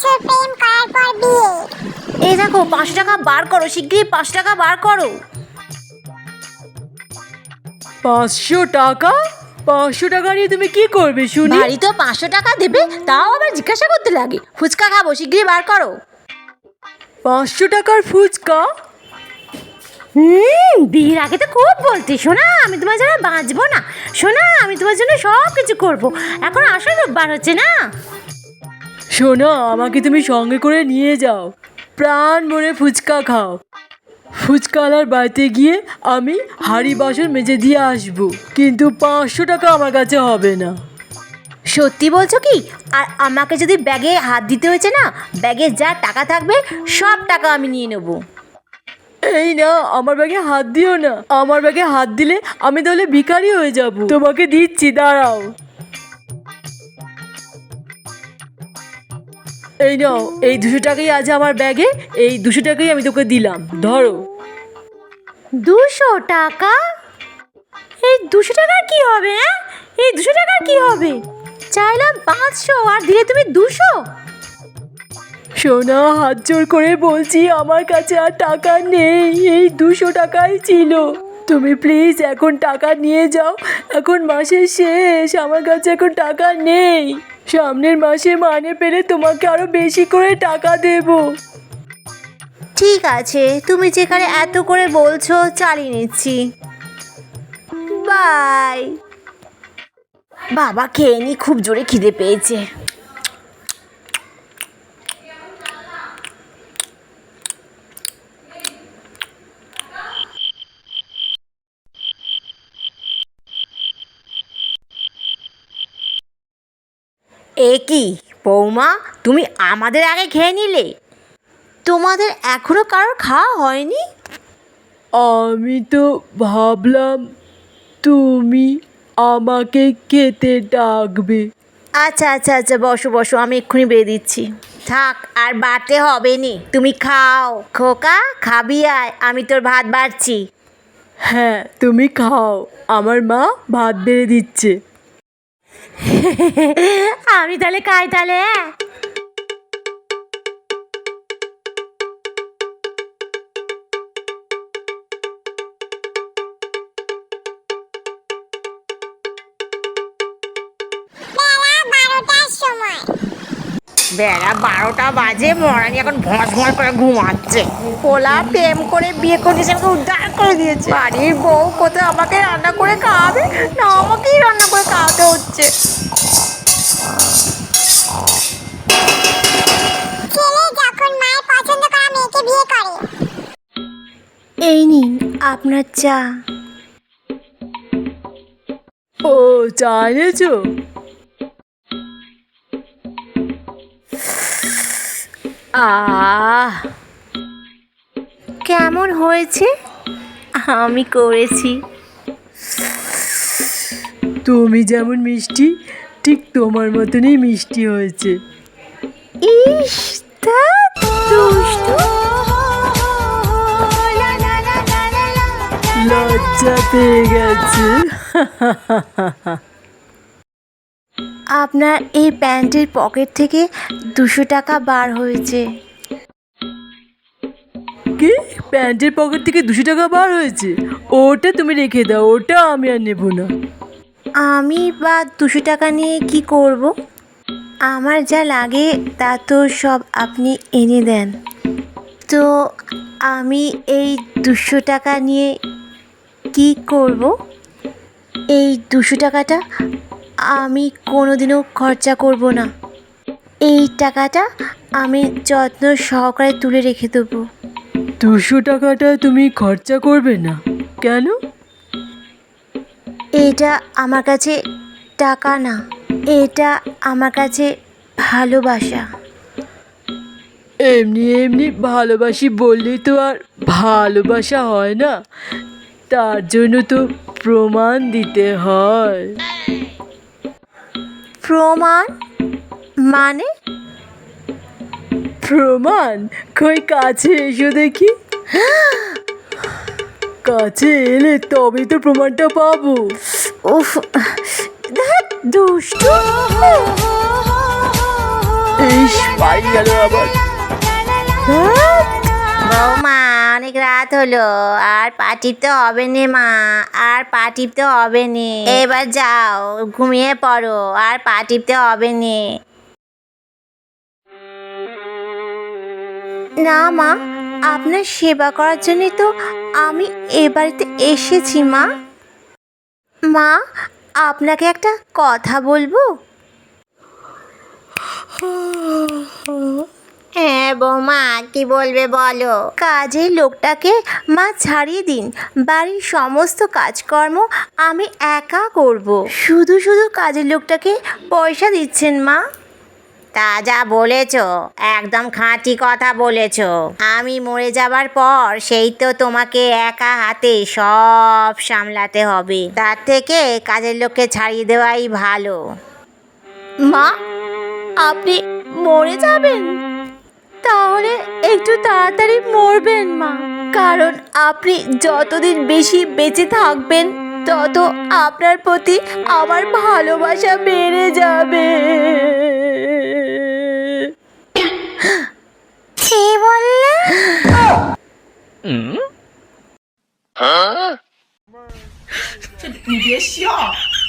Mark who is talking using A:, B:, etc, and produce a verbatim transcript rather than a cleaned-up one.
A: বছর প্রেম করার পর বিয়ে।
B: এই দেখো পাঁচশো টাকা বার করো, শিগগিরই পাঁচশো টাকা বার করো।
C: পাঁচশো টাকা? পাঁচশো টাকা নিয়ে তুমি কি করবে শুনি?
B: বাড়ি তো পাঁচশো টাকা দেবে, তাও আবার জিজ্ঞাসা করতে লাগে। ফুচকা খাবো, শিগগিরই বার করো।
C: পাঁচশো টাকার ফুচকা?
B: হুম বিয়ের আগে তো খুব বলতে, শোনা আমি তোমার জন্য বাঁচবো না, শোনা আমি তোমার জন্য সব কিছু করবো, এখন আসল রূপ বার হচ্ছে না।
C: শোনো, আমাকে তুমি সঙ্গে করে নিয়ে যাও, প্রাণ ভরে ফুচকা খাও। ফুচকাওয়ালার বাড়িতে গিয়ে আমি হাঁড়ি বাসন মেজে দিয়ে আসবো, কিন্তু পাঁচশো টাকা আমার কাছে হবে না।
B: সত্যি বলছো কি? আর আমাকে যদি ব্যাগে হাত দিতে হয়েছে না, ব্যাগে যা টাকা থাকবে সব টাকা আমি নিয়ে নেবো।
C: এই না, আমার ব্যাগে হাত দিও না। আমার ব্যাগে হাত দিলে আমি তাহলে ভিখারি হয়ে যাব। তোমাকে দিচ্ছি, দাঁড়াও। এই নাও, এই দুশো টাকাই আছে আমার ব্যাগে, এই দুশো টাকাই আমি তোকে দিলাম, ধরো।
B: দুশো টাকা? এই দুশো টাকার কি হবে? হ্যাঁ, এই দুশো টাকার কি হবে? চাইলাম পাঁচশো আর দিলে তুমি দুশো।
C: সোনা, হাত জোর করে বলছি, আমার কাছে আর টাকা নেই, এই দুশো টাকাই ছিল। তুমি প্লিজ এখন টাকা নিয়ে যাও, এখন মাসের শেষ, আমার কাছে এখন টাকা নেই। সামনের মাসে মানে পেলে তোমাকে আরো বেশি করে টাকা দেব।
B: ঠিক আছে, তুমি যেখানে এত করে বলছো চালিয়ে নিচ্ছি। বাই। বাবা খেয়ে নি, খুব জোরে খিদে পেয়েছে। এ কি বৌমা, তুমি আমাদের আগে খেয়ে নিলে? তোমাদের এখনো কারোর খাওয়া হয়নি?
C: আমি তো ভাবলাম তুমি আমাকে খেতে ডাকবে।
B: আচ্ছা আচ্ছা আচ্ছা, বসো বসো, আমি এক্ষুনি বেরিয়ে দিচ্ছি। থাক, আর বাড়তে হবে নি, তুমি খাও। খোকা খাবি আয়, আমি তোর ভাত বাড়ছি।
C: হ্যাঁ, তুমি খাও, আমার মা ভাত বেড়ে দিচ্ছে।
B: আমি তাহলে খাই তাহলে। হ্যাঁ,
A: বেলা বারোটার সময়।
B: বেলা বারোটা বাজে, মরানি এখন ভস ভস করে ঘুমাচ্ছে। পোলা প্রেম করে বিয়ে করে দিয়েছে, আমাকে উদ্ধার করে দিয়েছে। বাড়ির বউ কোথায় আমাকে রান্না করে খাওয়াবে, না আমাকেই রান্না করে খাওয়াতে হচ্ছে।
A: ছেলে যখন মায়ের পছন্দ করা মেয়েকে বিয়ে করে।
B: এই নিন আপনার চা।
C: ও, চা এনেছো?
B: আহ, কেমন হয়েছে? আমি করেছি।
C: তুমি যেমন মিষ্টি, ঠিক তোমার মতনই মিষ্টি হয়েছে।
B: ইস, তা দুষ্টু।
C: লজ্জা পেয়ে গেছে।
B: আপনার এই প্যান্টের পকেট থেকে দুশো টাকা বার হয়েছে।
C: কি? প্যান্টের পকেট থেকে দুশো টাকা বার হয়েছে? ওটা তুমি রেখে দাও, ওটা আমি আর নেবো না।
B: আমি বা দুশো টাকা নিয়ে কি করব? আমার যা লাগে তা তো সব আপনি এনে দেন, তো আমি এই দুশো টাকা নিয়ে কি করব? এই দুশো টাকাটা আমি কোনোদিনও খরচা করব না। এই টাকাটা আমি যত্ন সহকারে তুলে রেখে দেবো।
C: দুশো টাকাটা তুমি খরচা করবে না কেন?
B: এটা আমার কাছে টাকা না, এটা আমার কাছে ভালোবাসা।
C: এমনি এমনি ভালোবাসি বললেই তো আর ভালোবাসা হয় না, তার জন্য তো প্রমাণ দিতে হয়।
B: প্রমাণ মানে?
C: প্রমাণ? কই কাছে এসো দেখি। কাছে এলে তবেই তো প্রমাণটা পাবো।
B: উফ, ধ্যাৎ, দুষ্টু।
C: ইস বাড়ি গেল আবার।
B: বৌমা অনেক রাত হলো, আর পা টিপতে হবে নে মা, আর পা টিপতে হবে নে, এবার যাও ঘুমিয়ে পড়ো, আর পা টিপতে হবে নে। না মা, আপনার সেবা করার জন্যই তো আমি এ বাড়িতে এসেছি মা। মা, আপনাকে একটা কথা বলবো? হ্যাঁ বৌমা, কি বলবে বলো। কাজের লোকটাকে মা ছাড়িয়ে দিন, বাড়ির সমস্ত কাজকর্ম আমি একা করব। শুধু শুধু কাজের লোকটাকে পয়সা দিচ্ছেন মা। তা যা বলেছ একদম খাঁটি কথা বলেছ। আমি মরে যাবার পর সেই তো তোমাকে একা হাতে সব সামলাতে হবে, তার থেকে কাজের লোককে ছাড়িয়ে দেওয়াই ভালো। মা, আপনি মরে যাবেন? তাহলে একটু তাড়াতাড়ি মরবেন মা, কারণ আপনি যতদিন বেশি বেঁচে থাকবেন তত আপনার প্রতি আমার ভালোবাসা বেড়ে যাবে। কি বললে?
D: 这你别笑。